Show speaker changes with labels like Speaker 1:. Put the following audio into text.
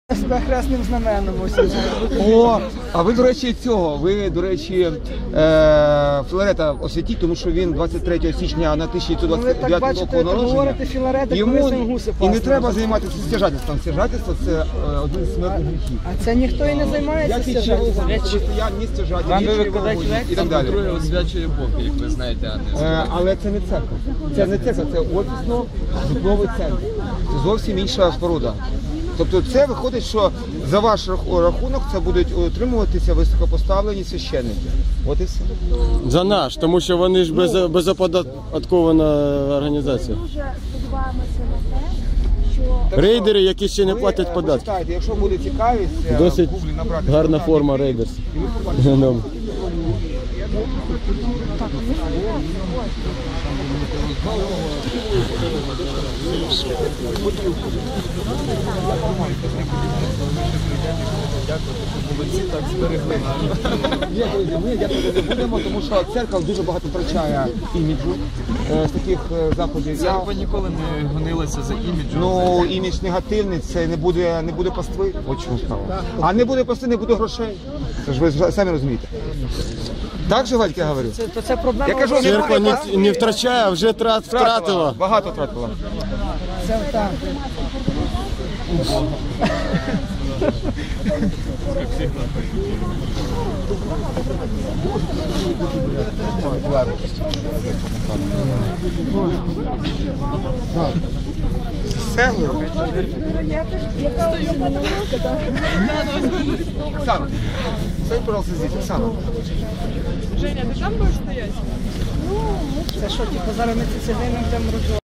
Speaker 1: Себе хресним знаменом.
Speaker 2: О, а ви, до речі, Філарета освітіть, тому що він 23 січня на 1929 року народження. Йому і не треба займатися стяжательством. Стяжательство – це один з смертних гріхів.
Speaker 1: А це ніхто і не займається стяжательством.
Speaker 2: Я не стяжатель, і так далі.
Speaker 3: Освячує Бог, як ви знаєте, а не
Speaker 2: Але це не церква. Це не церква, це офісно-житловий центр. Це зовсім інша споруда. Тобто це виходить, що за ваш рахунок це будуть утримуватися високопоставлені священники. От і все.
Speaker 4: За наш, тому що вони ж безоподаткована організація.
Speaker 5: Дуже сподіваємося на те, що
Speaker 4: Рейдери, які ще не платять податки.
Speaker 2: Почитайте, якщо буде цікавість,
Speaker 4: Досить
Speaker 2: в Гуглі набрати
Speaker 4: гарна форма рейдерс.
Speaker 2: Ні, друзі, ми дякувати не будемо, тому що церква дуже багато втрачає іміджу з таких заходів.
Speaker 3: церква ніколи не гонилася за іміджем.
Speaker 2: Ну, імідж негативний, це не буде пастви, от чому справа. А не буде пастви, не буде грошей. Це ж ви самі розумієте. Так же, Валька, я говорю?
Speaker 1: Це проблема.
Speaker 2: Я кажу, не
Speaker 4: Церква
Speaker 2: буде
Speaker 4: не втрачає, а вже втратила.
Speaker 2: Багато втратила.
Speaker 1: Це так.
Speaker 2: Оксана, стой, пожалуйста, здесь, Оксана.
Speaker 6: Женя, ты там будешь стоять?
Speaker 1: Це що, типу, зараз ми ці цеглини будемо розбивати?